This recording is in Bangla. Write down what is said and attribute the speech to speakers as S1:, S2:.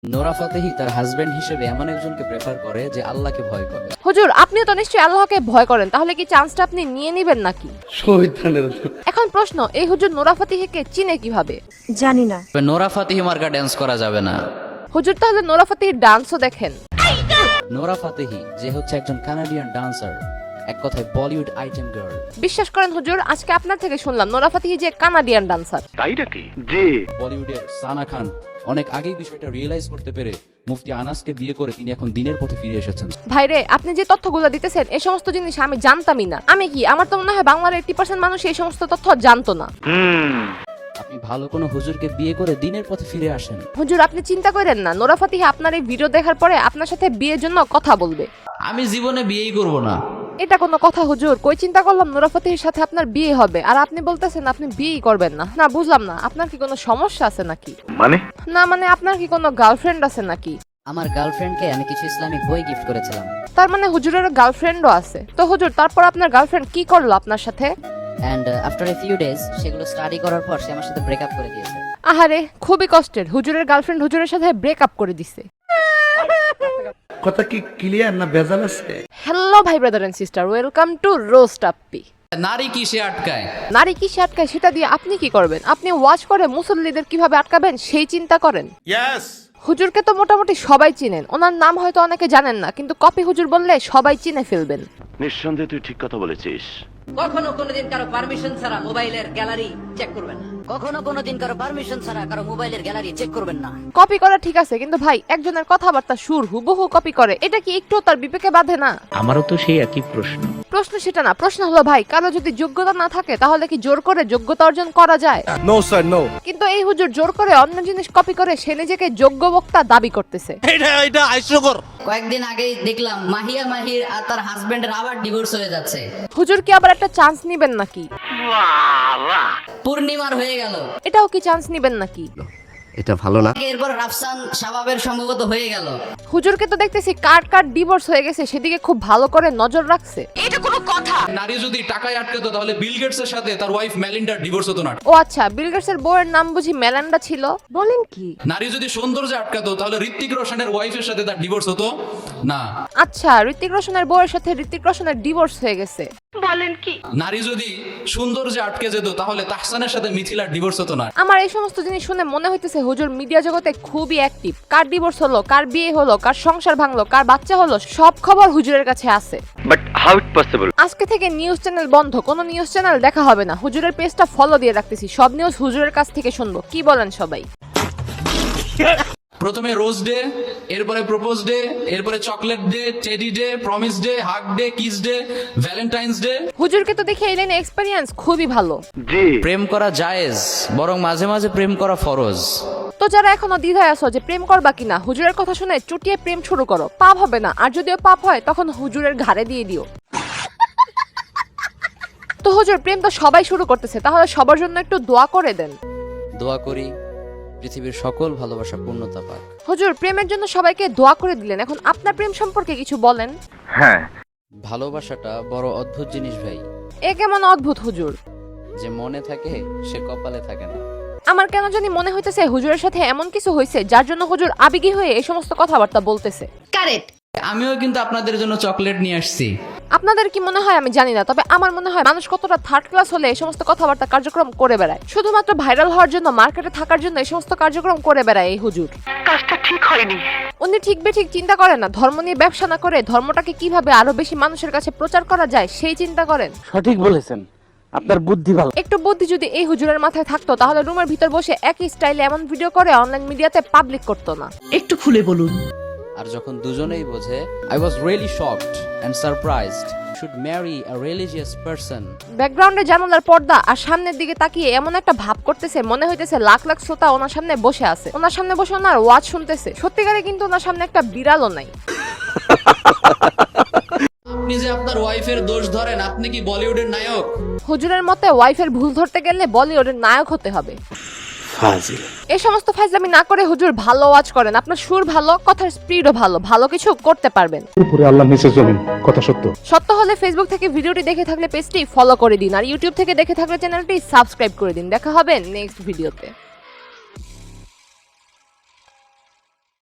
S1: নোরা ফাতেহি তার হাজবেন্ড হিসেবে এমন একজনকে প্রেফার করে যে আল্লাহকে ভয় করে।
S2: হুজুর, আপনিও তো নিশ্চয়ই আল্লাহকে ভয় করেন, তাহলে কি চান্সটা আপনি নিয়ে নেবেন নাকি? এখন প্রশ্ন, এই হুজুর নোরা ফাতেহিকে চিনে কিভাবে?
S3: জানি না।
S1: তবে নোরা ফাতেহি মার্কা ডান্স করা যাবে না।
S2: হুজুর, তাহলে নোরা ফাতেহির ডান্সও দেখেন?
S1: নোরা ফাতেহি যে হচ্ছে একজন কানাডিয়ান ডান্সার, এক কথায় বলিউড আইটেম গার্ল।
S2: বিশ্বাস করেন হুজুর, আজকে আপনার থেকে শুনলাম নোরা ফাতেহি যে কানাডিয়ান ডান্সার।
S4: তাই নাকি? জি।
S1: বলিউডের সানা খান অনেক আগেই বিষয়টা রিয়েলাইজ করতে পেরে মুফতি আনাসকে বিয়ে করে তিনি এখন দিনের পথে ফিরে এসেছেন।
S2: ভাইরে, আপনি যে তথ্যগুলো দিতেছেন এই সমস্ত জিনিস আমি জানতামই না। আমি কি, আমার তো মনে হয় বাংলার 80% মানুষ এই সমস্ত তথ্য জানতো না।
S1: আপনি ভালো কোনো হুজুরকে বিয়ে করে দিনের পথে ফিরে আসেন।
S2: হুজুর, আপনি চিন্তা করেন না, নোরা ফাতেহি আপনার এই ভিডিও দেখার পরে আপনার সাথে বিয়ের জন্য কথা বলবে।
S1: আমি জীবনে বিয়েই করব না।
S2: এটা কোনো কথা হুজুর? কই চিন্তা করলাম নোরা ফাতেহির সাথে আপনার বিয়ে হবে, আর আপনি বলতেছেন আপনি বিয়েই করবেন না। না, বুঝলাম না, আপনার কি কোনো সমস্যা আছে নাকি? মানে আপনার কি কোনো গার্লফ্রেন্ড আছে নাকি?
S5: আমার গার্লফ্রেন্ডকে আমি কিছু ইসলামিক বই গিফট করেছিলাম।
S2: তার মানে হুজুরের গার্লফ্রেন্ডও আছে? তো হুজুর, তারপর আপনার গার্লফ্রেন্ড কি করলো আপনার সাথে?
S5: And after a few days সেগুলো স্টাডি করার পর সে আমার সাথে ব্রেকআপ করে দিয়েছে।
S2: আহারে, খুবই কষ্টের। হুজুরের গার্লফ্রেন্ড হুজুরের সাথে ব্রেকআপ করে দিছে।
S6: কথা কি ক্লিয়ার না ভেজাল আছে?
S2: হ্যালো ভাই, brother and sister, welcome to roast আপ্পি।
S1: নারী কিসে আটকায়?
S2: নারী কিসে আটকায় সেটা দিয়ে আপনি কি করবেন? আপনি ওয়াচ করে মুসল্লিদের কিভাবে আটকাবেন সেই চিন্তা করেন। হুজুরকে তো মোটামুটি সবাই চিনেন, ওনার নাম হয়তো অনেকে জানেন না, কিন্তু কপি হুজুর বললে সবাই চিনে ফেলবেন।
S4: নিঃসন্দেহে তুই ঠিক কথা বলেছিস।
S7: কখনো কোনোদিন কারো পারমিশন ছাড়া মোবাইলের গ্যালারি চেক করবেন না।
S5: কখনো কোনোদিন কারো পারমিশন ছাড়া কারো মোবাইলের গ্যালারি চেক করবেন না।
S2: কপি করা ঠিক আছে, কিন্তু ভাই একজনের কথাবার্তা সুর হুবহু কপি করে, এটা কি একটু তার বিবেকে বাধে না?
S6: আমারও তো সেই একই প্রশ্ন।
S2: প্রশ্ন সেটা না, প্রশ্ন হলো ভাই, কারো যদি যোগ্যতা না থাকে তাহলে কি জোর করে যোগ্যতা অর্জন করা যায়?
S6: No sir, no.
S2: কিন্তু এই হুজুর জোর করে অন্য জিনিস কপি করে সে নিজেকে যোগ্য বক্তা দাবি করতেছে।
S6: এটা হাস্যকর।
S5: কয়েকদিন আগেই দেখলাম মাহির আর তার হাজবেন্ডের আবার ডিভোর্স হয়ে যাচ্ছে।
S2: হুজুর কি আবার একটা চান্স নিবেন নাকি?
S5: পূর্ণিমার হয়ে গেল,
S2: এটাও কি চান্স নিবেন নাকি?
S6: এটা ভালো না।
S5: এরপর রাফসান শাবাবের সম্ভবত হয়ে গেল।
S2: হুজুরকে তো দেখতেছি কার ডিভোর্স হয়ে গেছে সেদিকে খুব ভালো করে নজর রাখছে। এটা কোনো কথা?
S8: নারী যদি টাকায় আটকাতো তাহলে বিল গেটসের সাথে তার ওয়াইফ মেলিন্ডার ডিভোর্স হতো না।
S2: ও আচ্ছা, বিল গেটসের বউয়ের নাম বুঝি মেলান্ডা ছিল? বলেন কি?
S8: নারী যদি সৌন্দর্যে আটকাতো তাহলে ঋত্বিক রোশনের ওয়াইফের সাথে তার ডিভোর্স হতো না।
S2: আচ্ছা, ঋত্বিক রোশনের বউয়ের সাথে ঋত্বিক রোশনের ডিভোর্স হয়ে গেছে। বলেন কি?
S8: নারী যদি সৌন্দর্যে আটকে যেত তাহলে তাহসানের সাথে মিথিলার ডিভোর্স হতো না।
S2: আমার এই সমস্ত জিনিস শুনে মনে হইতেছে হুজুর মিডিয়া জগতে খুবই অ্যাক্টিভ। কার ডিভোর্স হলো, কার বিয়ে হলো, কার সংসার ভাঙলো, কার বাচ্চা হলো, সব খবর হুজুরের কাছে আছে।
S4: But how it possible?
S2: আজকে থেকে নিউজ চ্যানেল বন্ধ, কোনো নিউজ চ্যানেল দেখা হবে না। হুজুরের পেজটা ফলো দিয়ে রাখতেছি, সব নিউজ হুজুরের কাছ থেকে শুনবো। কি বলেন সবাই?
S8: প্রথমে রোজ ডে, এরপরে প্রপোজ ডে, এরপরে chocolate day, teddy day, promise day, hug day, kiss day, valentine's day.
S2: হুজুরকে তো দেখে এই লাইনে এক্সপেরিয়েন্স খুবই ভালো।
S4: জি।
S1: প্রেম করা জায়েজ, বরং মাঝে মাঝে প্রেম করা ফরজ।
S2: তো যারা এখনো দ্বিধায় আছো যে প্রেম করবা কিনা, হুজুরের কথা শুনে চুটিয়ে প্রেম শুরু করো, পাপ হবে না। আর যদিও পাপ হয় তখন হুজুরের ঘাড়ে দিয়ে দিও। তো হুজুর, প্রেম তো সবাই শুরু করতেছে, তাহলে সবার জন্য একটু দোয়া করে দেন।
S1: দোয়া করি পৃথিবীর সকল ভালোবাসা পূর্ণতা পাক।
S2: হুজুর, প্রেমের জন্য সবাইকে দোয়া করে দিলেন, এখন আপনার প্রেম সম্পর্কে কিছু বলেন।
S4: হ্যাঁ,
S1: ভালোবাসাটা বড় অদ্ভুত জিনিস ভাই।
S2: এ কেমন অদ্ভুত হুজুর?
S1: যে মনে থাকে সে কপালে থাকে না।
S2: আমার কেন জানি মনে হইতেছে হুজুরের সাথে এমন কিছু হয়েছে যার জন্য হুজুর আবেগী হয়ে এই সমস্ত কথাবার্তা বলতেছে।
S7: কারেক্ট।
S1: আমিও কিন্তু আপনাদের জন্য চকলেট নিয়ে আসছি।
S2: আপনাদের কি মনে হয় আমি জানি না, তবে আমার মনে হয় মানুষ কতটা থার্ড ক্লাস হলে এই সমস্ত কথাবার্তা কার্যক্রম করে বেড়ায়। শুধুমাত্র ভাইরাল হওয়ার জন্য, মার্কেটে থাকার জন্য এই সমস্ত কার্যক্রম করে বেড়ায় এই হুজুর। কাজটা ঠিক হয়নি। উনি ঠিক বেঠিক চিন্তা করেন না, ধর্ম নিয়ে ব্যবসা না করে ধর্মটাকে কিভাবে আরো বেশি মানুষের কাছে প্রচার করা যায় সেই চিন্তা করেন।
S6: সঠিক বলেছেন, আপনার বুদ্ধি ভালো।
S2: একটু বুদ্ধি যদি এই হুজুরের মাথায় থাকতো তাহলে রুমের ভিতর বসে একই স্টাইলে এমন ভিডিও করে অনলাইন মিডিয়াতে পাবলিক করতো না।
S3: একটু খুলে বলুন।
S1: আর যখন দুজনেই বোঝে, I was really shocked and surprised. Should marry a religious person.
S2: ব্যাকগ্রাউন্ডে জানালার পর্দা আর সামনের দিকে তাকিয়ে এমন একটা ভাব করতেছে, মনে হইতেছে লাখ লাখ শ্রোতা ওনার সামনে বসে আছে, ওনার সামনে বসে ওনার ওয়াজ শুনতেছে। সত্যিকারে কিন্তু ওনার সামনে একটা বিড়ালও নাই।
S8: আপনি যে আপনার ওয়াইফের দোষ ধরেন, আপনি কি বলিউডের নায়ক?
S2: হুজুরের মতে ওয়াইফের ভুল ধরতে গেলে বলিউডের নায়ক হতে হবে।
S6: ফাজিল।
S2: এই সমস্ত ফাজলামি না করে হুজুর ভালো ওয়াজ করেন, আপনার সুর ভালো, কথার স্পিডও ভালো, ভালো কিছু করতে পারবেন।
S6: উপরে আল্লাহ নিচে জমিন, কথা সত্য।
S2: সত্য হলে ফেসবুক থেকে ভিডিওটি দেখে থাকলে পেজটি ফলো করে দিন, আর ইউটিউব থেকে দেখে থাকলে চ্যানেলটি সাবস্ক্রাইব করে দিন। দেখা হবে নেক্সট ভিডিওতে।